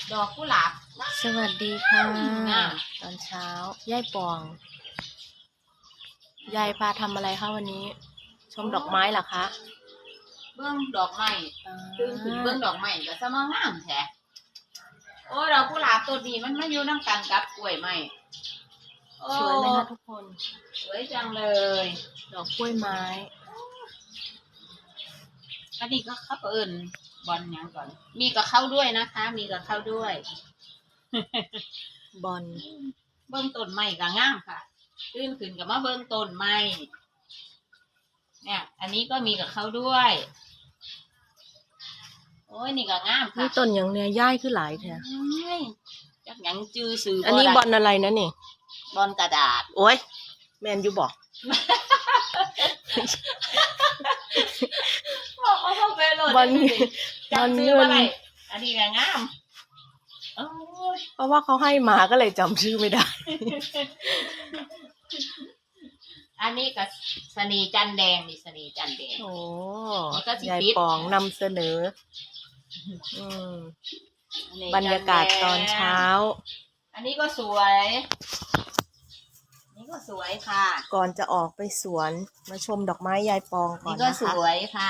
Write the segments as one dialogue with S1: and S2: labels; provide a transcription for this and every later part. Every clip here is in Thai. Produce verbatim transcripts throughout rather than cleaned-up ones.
S1: ดอกกุหลาบ
S2: สวัสดีค่ะ
S1: งาม
S2: ตอนเช้ายายปองยายพาทำอะไรคะวันนี้ ชมดอกไม้เหรอคะ
S1: เบื้องดอกไม้
S2: อ่า
S1: ตื่นขึ้นเบื้องดอกไม้ก็สมางามแท้โอ้ดอกกุหลาบตัวนี้มันมาอยู่น้ำกันกับกล้วยไม้โอ้
S2: สวยไหมคะทุกคน
S1: สวยจังเลย
S2: ดอกกล้วยไม้
S1: อันนี้ก็เขาเอิญบอลยังก่อน มีกับเข้าด้วยนะคะ มีกับเข้าด้วย
S2: บอล
S1: เบื้องต้นไม้ก็งามค่ะตื่นขึ้นกับมาเบื้องต้นไม้เนี่ย อันนี้ก็มีกับเข้าด้วย โอ้ยนี่ก็งามค่ะ
S2: นี่ต้นอย่างเนี้ยย่ายคือหลายแท้
S1: ไม่จักหยังจื้อซื้อ
S2: อันนี้บอลอะไรนะนี่
S1: บอลกระดาษ
S2: โอ้ยแมนยูบอก
S1: บอกเขาเข้าไปโหลด
S2: บอล
S1: จับซื้อมาไหนอันนี้ก็งามโอ้ย
S2: เพราะว่าเขาให้มาก็เลยจำชื่อไม่ได้
S1: อันนี้ก็สนีจันแดงนี่สนีจันแดง
S2: โอ้
S1: แล้วก็สิ
S2: ยาย
S1: ปิด
S2: ปองนำเสนอ อืม
S1: อันนี้
S2: บรรยากาศตอนเช้า
S1: อันนี้ก็สวยอันนี้ก็สวยค่ะ
S2: ก่อนจะออกไปสวนมาชมดอกไม้ยายปองก่อ
S1: นี่
S2: น
S1: ก็
S2: นะ
S1: ส
S2: คะ
S1: วยค่ะ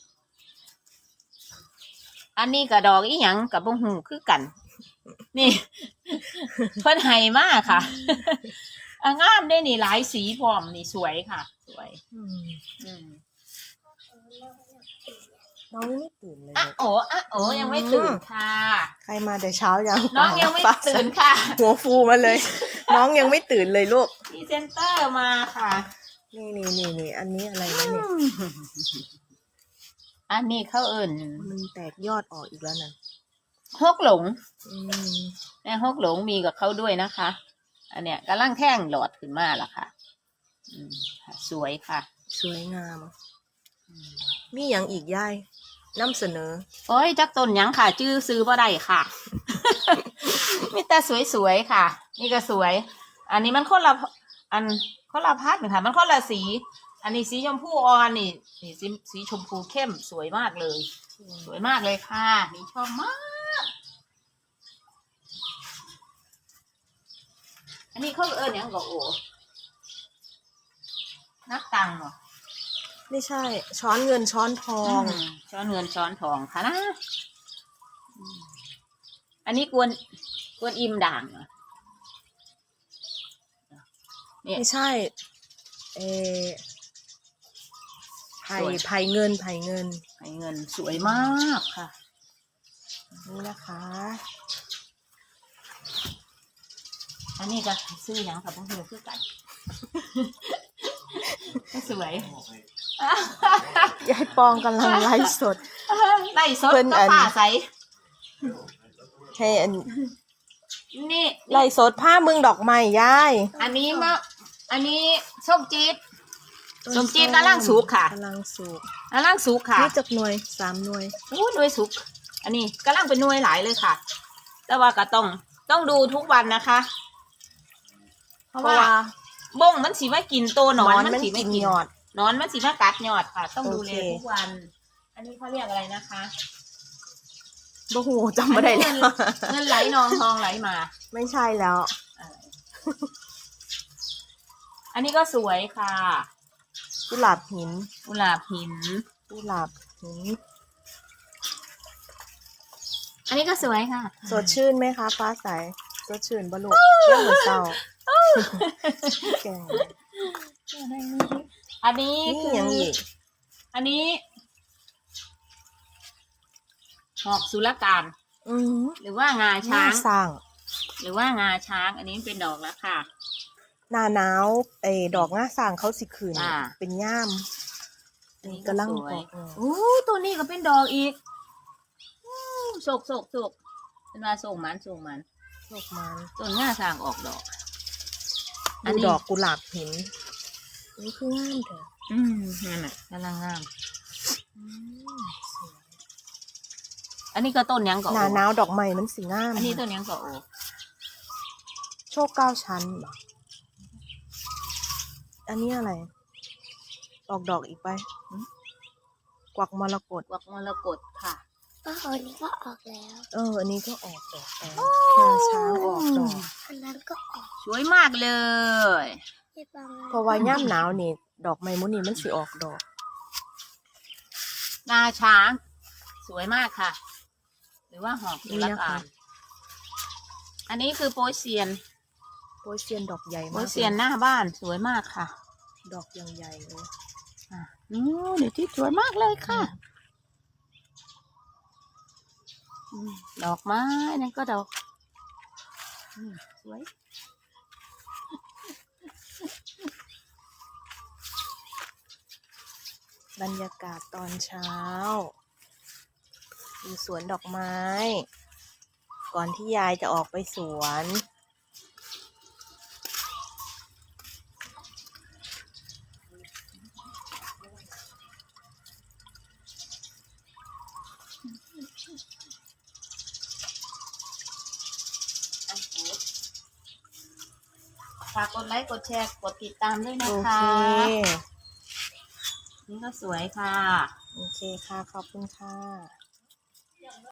S1: อันนี้ก็ดอกอีหยังกับบ่หูคือกัน นี่ เพิ่นไห้มากค่ะ อ่ะงามได้นี่หลายสีพร้อมนี่สวยค่ะ สวย
S2: อืม
S1: อืม
S2: น้องยังไม่ตื่นเลย
S1: อ่ะโอ้อ่ะโอ้ยังไม่ตื่นค่ะ
S2: ใครมาแต่เช้ายัง
S1: น้องยังไม่
S2: ฟ้า
S1: ตื่นค่ะ
S2: หัวฟูมาเลย น้องยังไม่ตื่นเลยลูก
S1: พรีเซนเตอร์มาค่ะ
S2: นี่นี่นี่นี่อันนี้อะไรนะเนี่ย
S1: อันนี้เขาเอิ่น
S2: มันแตกยอดออกอีกแล้วนะ
S1: ฮกหลง
S2: อืม
S1: แม่ฮกหลงมีกับเขาด้วยนะคะ อันเนี้ยกำลังแท่งหลอดขึ้นมาละค่ะอืมค่ะสวยค่ะ
S2: สวยงาม มีอย่างอีกย่ายนำเสนอ
S1: โอ้ยจักต้นหยังค่ะ จื้อซื้อบ่ได้ค่ะ มีแต่สวยๆค่ะ นี่ก็สวย อันนี้มันคนละอันคนละพัดค่ะ มันคนละสี อันนี้สีชมพูอ่อนนี่นี่สีสีชมพูเข้มสวยมากเลย สวยมากเลยค่ะนี่ชอบมาก อันนี้เขาเอิ้นหยังก็โอ้นักตังเหรอ
S2: ไม่ใช่ ช้อนเงินช้อนทอง
S1: มช้อนเงินช้อนทองค่ะนะอืมอันนี้กวนกวนอิมด่างเหรอเนี่ย
S2: ไม่ใช่ เออไผ่
S1: สวย
S2: ไผ่เงินไผ่เงิน
S1: ให้เงินสวยมากค่ะ
S2: นี่นะคะ
S1: อันนี้ก็ซื้อหยังค่ะพวกเธอคือกัน ก็สวย
S2: ยายปองกำลังไลฟ์สด
S1: ไล่สด
S2: เพิ่น
S1: ก็
S2: อัน
S1: ป่าใส
S2: ให้อัน
S1: นี่
S2: ไล่สดผ้ามึงดอกไม้ยาย
S1: อันนี้มะอันนี้ส้มจี๊ด ส้มจี๊ดกำลังสุกค่ะ
S2: กำลังสุก
S1: อันล่างสุกค่ะ
S2: นี่จักหน่วยสามหน่วย
S1: อู้หน่วยสุก อันนี้กำลังเป็นหน่วยหลายเลยค่ะ แต่ว่าก็ต้องต้องดูทุกวันนะคะ เพ
S2: เพ
S1: ราะ
S2: ราะ
S1: ว่า
S2: ว่า
S1: บ้งมันสีมากินตัวหนอน
S2: มั
S1: มัน
S2: น
S1: สีไม่
S2: กิน
S1: กิน
S2: ยอด
S1: หนอนมันสีมากัดยอดค่ะ ต้องดูแล
S2: โอเค
S1: ทุกวัน อันนี้เขาเรียกอะไรนะคะ
S2: บ่หูจำไม่ได้
S1: อัน
S2: แล้
S1: นี้
S2: ว
S1: เงินเงินไหลนองทองไหลมา
S2: ไม่ใช่แล้ว
S1: อะไรอันนี้ก็สวยค่ะ
S2: กุหลาบหิน
S1: กุหลาบหิน
S2: กุหลาบหิน
S1: อันนี้ก็สวยค่ะ
S2: สดชื่นไหมคะฟ้าใสสดชื่นบลูกเรื่องเหมือนเศร้าแกง
S1: อันนี้
S2: นี่
S1: คือ
S2: ยังอีก
S1: อันนี้หอกสุรการ
S2: อืม
S1: หรือว่างา
S2: ช้า
S1: ช้าง
S2: งสร้าง
S1: หรือว่างาช้าง อันนี้เป็นดอกแล้วค่ะ
S2: หน้าหนาวไอ้ดอกง่าสร้างเขาสิคืน
S1: อ่า
S2: เป็นย่าม
S1: อันนี้
S2: กำลัง
S1: สวย
S2: ออก
S1: โอ้ตัวนี้ก็เป็นดอกอีกโศกโศกโศกเป็นว่าส่งมันส่งมัน
S2: ดอกไม้
S1: ต้นงาช้างออกดอก อัน
S2: ดู
S1: นี้
S2: ดอกกุหลาบหินนี่คืองามเถอะ
S1: อืมนั่นน่ะกำลังงาม
S2: อืมสวย
S1: อันนี้ก็ต้นยังก็
S2: ห
S1: โอ
S2: น้าหนาวดอกไม้มันสีงาม
S1: อันนี้ต้นยังก็โอ
S2: โชคเก้าชั้นเหรออันนี้อะไร ออกดอกอีกไป กวักมรกต
S1: กวักมรกตค่ะ
S3: ก็อันนี้ก็ออกแล้ว
S2: เอออันนี้ก็ออกดอกแล้วงาช้างออกดอก
S3: อันนั้นก็ออก
S1: สวยมากเลย
S3: ให้บาง
S2: เพราะว่าย่ำหนาวนี่ดอกไม้มุนี่มันสิออกดอก
S1: งาช้าง สวยมากค่ะ หรือว่าหอกสุรกานอันนี้คือโปยเซียน
S2: โปยเซียนดอกใหญ่
S1: โป
S2: มาย ก
S1: เซียนหน้าบ้านสวยมากค่ะ
S2: ดอกยังใหญ่เลย
S1: อ่ะนู้นเดี๋ยวที่สวยมากเลยค่ะอืมดอกไม้นั่นก็ดอกอืมสวย
S2: บรรยากาศตอนเช้าอยู่สวนดอกไม้ ก่อนที่ยายจะออกไปสวน
S1: ฝากกดไลค์กดแชร์กดติดตามด้วยนะ
S2: โอ
S1: คะ
S2: เค
S1: นี่ก็สวยค่ะ
S2: โอเคค่ะ ขอบคุณค่ะ